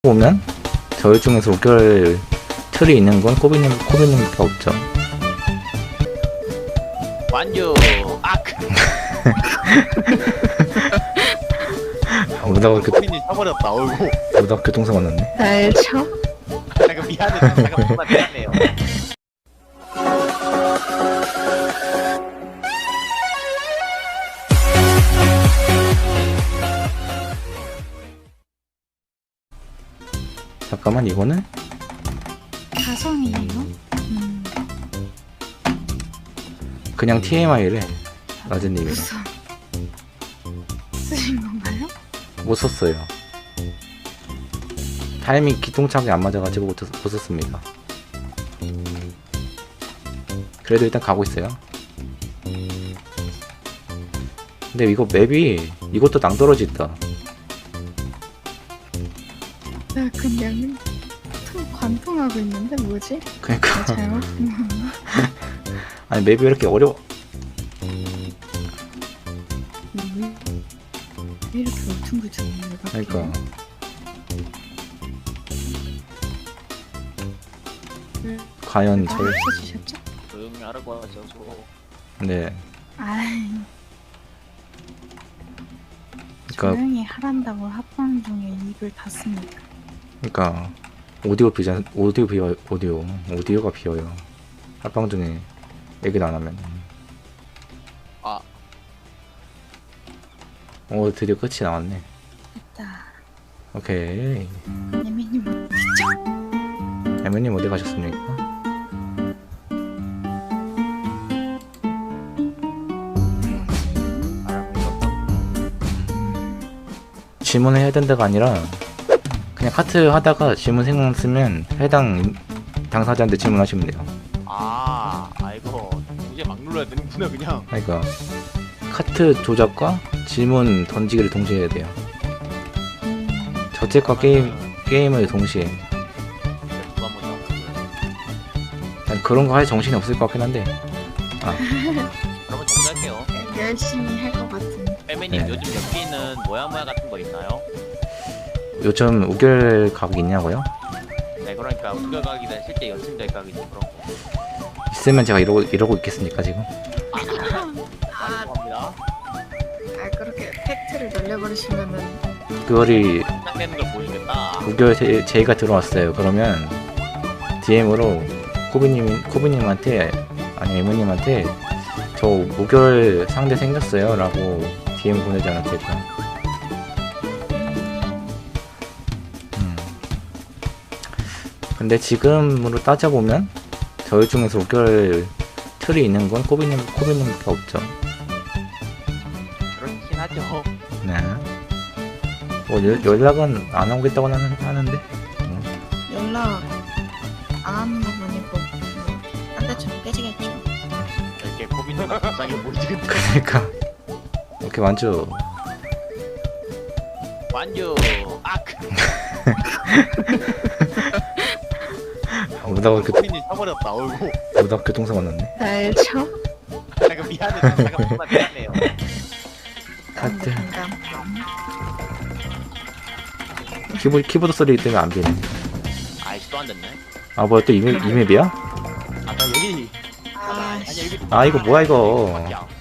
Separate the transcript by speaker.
Speaker 1: 보면 저희 중에서 우결 틀이 있는 건 코비님밖에 없죠.
Speaker 2: 완주 악.
Speaker 1: 오다가
Speaker 2: 코린이 쳐버렸다. 어이구.
Speaker 1: 오다가 교통사고 났네.
Speaker 3: 날 쳐?
Speaker 2: 잠깐 미안해. 잠깐 정말 미안해요.
Speaker 1: 잠깐만, 이거는
Speaker 3: 가성이에요?
Speaker 1: 그냥 TMI래. 라즈님이랑
Speaker 3: 무슨 쓰신 건가요?
Speaker 1: 못 썼어요. 타이밍 기똥차게 안 맞아가지고 못 썼습니다. 그래도 일단 가고 있어요. 근데 이거 맵이 이것도 낭떠러지 있다.
Speaker 3: 나 그냥 관통하고 있는데 뭐지?
Speaker 1: 그러니까
Speaker 3: 잘못
Speaker 1: 아니 맵이 왜 이렇게 어려워?
Speaker 3: 왜 이렇게 울퉁불퉁해?
Speaker 1: 그러니까 과연
Speaker 3: 다
Speaker 1: 저희
Speaker 3: 합쳐주셨죠?
Speaker 2: 조용히 하라고 하셔서.
Speaker 1: 네
Speaker 3: 아이
Speaker 1: 그러니까
Speaker 3: 조용히 하란다고 합방 중에 입을 닫습니다.
Speaker 1: 그러니까 오디오가 비어요. 합방 중에 얘기를 안 하면.
Speaker 2: 아.
Speaker 1: 드디어 끝이 나왔네.
Speaker 3: 됐다.
Speaker 1: 오케이.
Speaker 3: 예민님 어디죠?
Speaker 1: 애매님 어디 가셨습니까? 질문을 해야 된다가 아니라 그냥 카트 하다가 질문 생각났으면 해당 당사자한테 질문하시면 돼요.
Speaker 2: 이거 이제 막 눌러야 되는구나 그냥.
Speaker 1: 그러니까 카트 조작과 질문 던지기를 동시에 해야 돼요. 저택과 게임을 동시에.
Speaker 2: 누가 먼저
Speaker 1: 난 그런 거 할 정신이 없을 것 같긴 한데.
Speaker 2: 그러면 정리할게요.
Speaker 3: 열심히 할 것 같은.
Speaker 2: 빼매님
Speaker 1: 네.
Speaker 2: 요즘 여기는 모야 같은 거 있나요?
Speaker 1: 요즘 우결 각이 있냐고요?
Speaker 2: 네, 그러니까 우결각이든 실제 연승절 각이든 그런 거.
Speaker 1: 있으면 제가 이러고 있겠습니까 지금?
Speaker 2: 죄송합니다.
Speaker 3: 그렇게 팩트를 날려버리시면은
Speaker 1: 그거리
Speaker 2: 시작되는 걸 보여주겠다.
Speaker 1: 우결 제의가 들어왔어요. 그러면 DM으로 코비님한테 아니 에모님한테 저 우결 상대 생겼어요 라고 DM 보내지 않아도 될까? 근데 지금으로 따져보면 저희 중에서 우결 틀이 있는 건 코비님밖에 없죠.
Speaker 2: 그렇긴 하죠.
Speaker 1: 네. 뭐 연락은 안 오겠다고 하는데.
Speaker 3: 연락 안 하는 거 보니까 딴 데처럼 깨지겠죠.
Speaker 2: 이렇게 고민도가 불쌍해 보이지.
Speaker 1: 그러니까 이렇게 완주.
Speaker 2: 완주 악.
Speaker 1: 오다가
Speaker 2: 코린이 쳐버렸다. 어이구.
Speaker 1: 오다가 교통사고 났네.
Speaker 3: 날 쳐?
Speaker 2: 잠깐 미안해. 잠깐 정말 미안해요.
Speaker 1: 카트.
Speaker 3: 깜깜.
Speaker 1: 키보드 소리 때문에 안 비네.
Speaker 2: 아이씨 또 안 됐네.
Speaker 1: 아 뭐야 또 이맵이야?
Speaker 2: 나 여기.
Speaker 3: 아,
Speaker 2: 아니야 여기.
Speaker 1: 아 이거 뭐야 이거.
Speaker 2: 밖이야.